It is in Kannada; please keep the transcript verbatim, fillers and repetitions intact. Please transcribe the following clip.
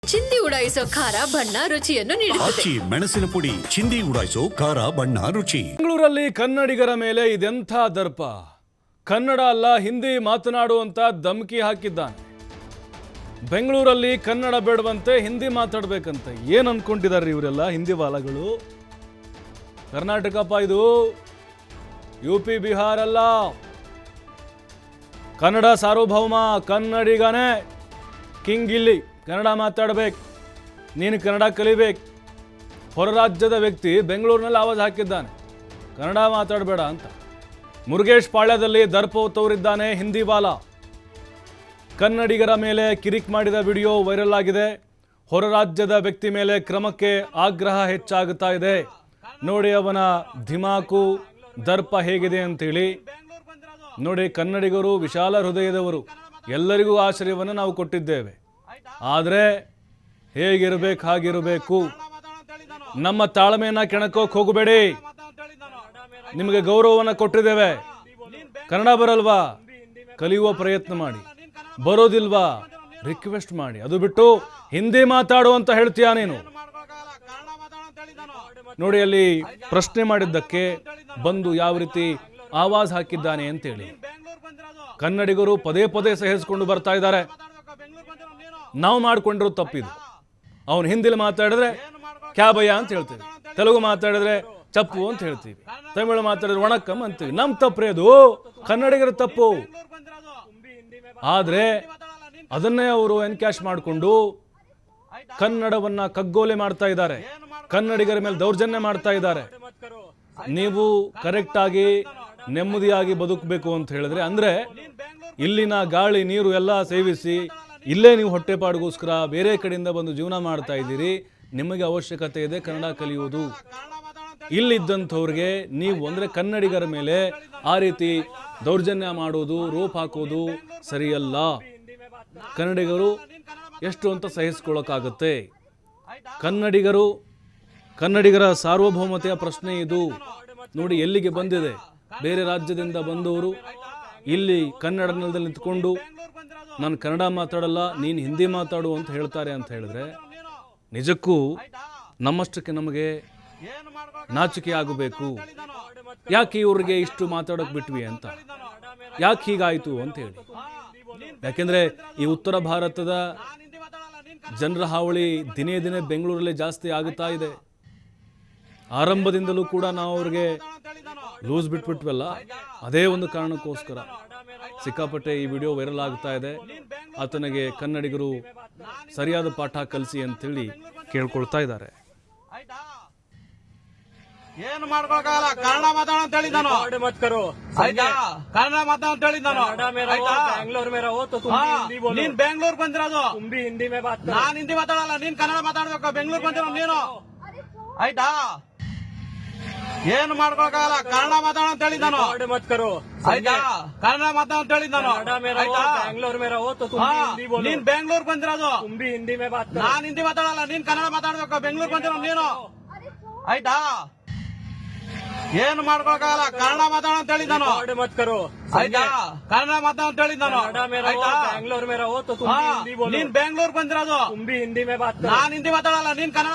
ಚಿಂದಿ ಉಡಾಯಿಸೋ ಖಾರ ಬಣ್ಣ ರುಚಿಯನ್ನು ನೀಡುತ್ತದೆ. ಆಚಿ ಮೆಣಸಿನ ಪುಡಿ ಚಿಂದಿ ಉಡಾಯಿಸೋ ಖಾರ ಬಣ್ಣ ರುಚಿ. ಬೆಂಗಳೂರಲ್ಲಿ ಕನ್ನಡಿಗರ ಮೇಲೆ ಇದೆಂಥ ದರ್ಪ. ಕನ್ನಡ ಅಲ್ಲ ಹಿಂದಿ ಮಾತನಾಡುವಂತ ಧಮಕಿ ಹಾಕಿದ್ದಾನೆ. ಬೆಂಗಳೂರಲ್ಲಿ ಕನ್ನಡ ಬೇಡವಂತೆ ಹಿಂದಿ ಮಾತಾಡ್ಬೇಕಂತೆ. ಏನ್ ಅನ್ಕೊಂಡಿದ್ದಾರೆ ಇವರೆಲ್ಲ ಹಿಂದಿ ವಾಲಗಳು? ಕರ್ನಾಟಕಪ್ಪ ಇದು, ಯು ಪಿ ಬಿಹಾರ ಅಲ್ಲ. ಕನ್ನಡ ಸಾರ್ವಭೌಮ, ಕನ್ನಡಿಗನೇ ಕಿಂಗ್ ಇಲ್ಲಿ. ಕನ್ನಡ ಮಾತಾಡಬೇಕು, ನೀನು ಕನ್ನಡ ಕಲಿಬೇಕು. ಹೊರ ರಾಜ್ಯದ ವ್ಯಕ್ತಿ ಬೆಂಗಳೂರಿನಲ್ಲಿ ಆವಾಜ್ ಹಾಕಿದ್ದಾನೆ, ಕನ್ನಡ ಮಾತಾಡಬೇಡ ಅಂತ. ಮುರುಗೇಶ್ ಪಾಳ್ಯದಲ್ಲಿ ದರ್ಪ ತೋರಿದ್ದಾನೆ ಹಿಂದಿ ವಾಲ. ಕನ್ನಡಿಗರ ಮೇಲೆ ಕಿರಿಕ್ ಮಾಡಿದ ವಿಡಿಯೋ ವೈರಲ್ ಆಗಿದೆ. ಹೊರ ರಾಜ್ಯದ ವ್ಯಕ್ತಿ ಮೇಲೆ ಕ್ರಮಕ್ಕೆ ಆಗ್ರಹ ಹೆಚ್ಚಾಗುತ್ತಾ ಇದೆ. ನೋಡಿ ಅವನ ಧಿಮಾಕು, ದರ್ಪ ಹೇಗಿದೆ ಅಂತೇಳಿ. ನೋಡಿ, ಕನ್ನಡಿಗರು ವಿಶಾಲ ಹೃದಯದವರು, ಎಲ್ಲರಿಗೂ ಆಶ್ರಯವನ್ನು ನಾವು ಕೊಟ್ಟಿದ್ದೇವೆ. ಆದರೆ ಹೇಗಿರಬೇಕು ಹಾಗಿರಬೇಕು. ನಮ್ಮ ತಾಳ್ಮೆಯನ್ನ ಕೆಣಕೋಕ್ ಹೋಗಬೇಡಿ. ನಿಮಗೆ ಗೌರವವನ್ನು ಕೊಟ್ಟಿದ್ದೇವೆ. ಕನ್ನಡ ಬರಲ್ವಾ, ಕಲಿಯುವ ಪ್ರಯತ್ನ ಮಾಡಿ. ಬರೋದಿಲ್ವಾ, ರಿಕ್ವೆಸ್ಟ್ ಮಾಡಿ. ಅದು ಬಿಟ್ಟು ಹಿಂದಿ ಮಾತಾಡು ಅಂತ ಹೇಳ್ತೀಯ ನೀನು. ನೋಡಿ, ಅಲ್ಲಿ ಪ್ರಶ್ನೆ ಮಾಡಿದ್ದಕ್ಕೆ ಬಂದು ಯಾವ ರೀತಿ ಆವಾಜ್ ಹಾಕಿದ್ದಾನೆ ಅಂತೇಳಿ. ಕನ್ನಡಿಗರು ಪದೇ ಪದೇ ಸಹಿಸಿಕೊಂಡು ಬರ್ತಾ ಇದ್ದಾರೆ. ನಾವು ಮಾಡ್ಕೊಂಡಿರೋ ತಪ್ಪಿದು. ಅವನು ಹಿಂದಿಲಿ ಮಾತಾಡಿದ್ರೆ ಕ್ಯಾ ಭಯ್ಯ ಅಂತ ಹೇಳ್ತೀವಿ, ತೆಲುಗು ಮಾತಾಡಿದ್ರೆ ಚಪ್ಪು ಅಂತ ಹೇಳ್ತೀವಿ, ತಮಿಳು ಮಾತಾಡಿದ್ರೆ ವಣಕ್ಕಂ ಅಂತೀವಿ. ನಮ್ ತಪ್ಪ್ರೆ ಅದು, ಕನ್ನಡಿಗರ ತಪ್ಪು. ಆದ್ರೆ ಅದನ್ನೇ ಅವರು ಎನ್ಕ್ಯಾಶ್ ಮಾಡಿಕೊಂಡು ಕನ್ನಡವನ್ನ ಕಗ್ಗೋಲೆ ಮಾಡ್ತಾ ಇದ್ದಾರೆ. ಕನ್ನಡಿಗರ ಮೇಲೆ ದೌರ್ಜನ್ಯ ಮಾಡ್ತಾ ಇದ್ದಾರೆ. ನೀವು ಕರೆಕ್ಟ್ ಆಗಿ ನೆಮ್ಮದಿಯಾಗಿ ಬದುಕಬೇಕು ಅಂತ ಹೇಳಿದ್ರೆ, ಅಂದ್ರೆ ಇಲ್ಲಿನ ಗಾಳಿ ನೀರು ಎಲ್ಲ ಸೇವಿಸಿ ಇಲ್ಲೇ ನೀವು ಹೊಟ್ಟೆಪಾಡಿಗೋಸ್ಕರ ಬೇರೆ ಕಡೆಯಿಂದ ಬಂದು ಜೀವನ ಮಾಡ್ತಾ ಇದ್ದೀರಿ. ನಿಮಗೆ ಅವಶ್ಯಕತೆ ಇದೆ ಕನ್ನಡ ಕಲಿಯುವುದು. ಇಲ್ಲಿದ್ದಂಥವ್ರಿಗೆ ನೀವು ಅಂದ್ರೆ ಕನ್ನಡಿಗರ ಮೇಲೆ ಆ ರೀತಿ ದೌರ್ಜನ್ಯ ಮಾಡೋದು, ರೋಪ್ ಹಾಕೋದು ಸರಿಯಲ್ಲ. ಕನ್ನಡಿಗರು ಎಷ್ಟು ಅಂತ ಸಹಿಸ್ಕೊಳ್ಳೋಕ್ಕಾಗತ್ತೆ? ಕನ್ನಡಿಗರು ಕನ್ನಡಿಗರ ಸಾರ್ವಭೌಮತೆಯ ಪ್ರಶ್ನೆ ಇದು. ನೋಡಿ ಎಲ್ಲಿಗೆ ಬಂದಿದೆ. ಬೇರೆ ರಾಜ್ಯದಿಂದ ಬಂದವರು ಇಲ್ಲಿ ಕನ್ನಡ ನೆಲದಲ್ಲಿ ನಿಂತ್ಕೊಂಡು ನಾನು ಕನ್ನಡ ಮಾತಾಡಲ್ಲ, ನೀನು ಹಿಂದಿ ಮಾತಾಡು ಅಂತ ಹೇಳ್ತಾರೆ ಅಂತ ಹೇಳಿದ್ರೆ, ನಿಜಕ್ಕೂ ನಮ್ಮಷ್ಟಕ್ಕೆ ನಮಗೆ ನಾಚಿಕೆ ಆಗಬೇಕು. ಯಾಕೆ ಇವ್ರಿಗೆ ಇಷ್ಟು ಮಾತಾಡೋಕೆ ಬಿಟ್ವಿ ಅಂತ, ಯಾಕೆ ಹೀಗಾಯಿತು ಅಂತ ಹೇಳಿ. ಯಾಕೆಂದ್ರೆ ಈ ಉತ್ತರ ಭಾರತದ ಜನರ ಹಾವಳಿ ದಿನೇ ದಿನೇ ಬೆಂಗಳೂರಲ್ಲಿ ಜಾಸ್ತಿ ಆಗುತ್ತಾ ಇದೆ. ಆರಂಭದಿಂದಲೂ ಕೂಡ ನಾವು ಅವ್ರಿಗೆ ಲೂಸ್ ಬಿಟ್ಬಿಟ್ವಲ್ಲ, ಅದೇ ಒಂದು ಕಾರಣಕ್ಕೋಸ್ಕರ ಸಿಕ್ಕಾಪಟ್ಟೆ ಈ ವಿಡಿಯೋ ವೈರಲ್ ಆಗ್ತಾ ಇದೆ. ಆತನಿಗೆ ಕನ್ನಡಿಗರು ಸರಿಯಾದ ಪಾಠ ಕಲಿಸಿ ಅಂತೇಳಿ ಕೇಳ್ಕೊಳ್ತಾ ಇದ್ದಾರೆ. ಏನು ಮಾಡ್ಕೊಳಕಾಗಲ್ಲ, ಕನ್ನಡ ಮಾತಾಡ ಅಂತ ಹೇಳಿದ್ದಾನು. ಕನ್ನಡ ಮಾತಾಡ ಅಂತ ಹೇಳಿದ್ದಾನು. ನೀನ್ ಬೆಂಗಳೂರು ಬಂದಿರೋದು, ನಾನ್ ಹಿಂದಿ ಮಾತಾಡಲ್ಲ, ನೀನ್ ಕನ್ನಡ ಮಾತಾಡ್ಬೇಕು. ಬೆಂಗಳೂರು ಬಂದಿರೋ ನೀನು, ಆಯ್ತಾ? ಏನು ಮಾಡ್ಕೊಳಕಾಗಲ್ಲ, ಕನ್ನಡ ಮಾತಾಡ ಅಂತ ಹೇಳಿದ್ದಾನು. ಕನ್ನಡ ಮಾತಾಡ ಅಂತ ಹೇಳಿದ್ದಾನು. ನೀನ್ ಬೆಂಗಳೂರು ಬಂದಿರೋದು, ನಾನ್ ಹಿಂದಿ ಮಾತಾಡಲ್ಲ, ನೀನ್ ಕನ್ನಡ ಮಾತಾಡ್ಬೇಕು. ಬೆಂಗಳೂರು ಬಂದಿರೋ ನೀನು, ಆಯ್ತಾ? ಏನು ಮಾಡ್ಕೊಳಕಾಗಲ್ಲ, ಕನ್ನಡ ಮಾತಾಡ ಅಂತ ಹೇಳಿದ್ದಾನು. ಕನ್ನಡ ಮಾತಾಡ ಅಂತ ಹೇಳಿದ್ದಾನು. ನೀನ್ ಬೆಂಗಳೂರು ಬಂದಿರೋದು, ನಾನ್ ಹಿಂದಿ ಮಾತಾಡಲ್ಲ, ನೀನ್ ಕನ್ನಡ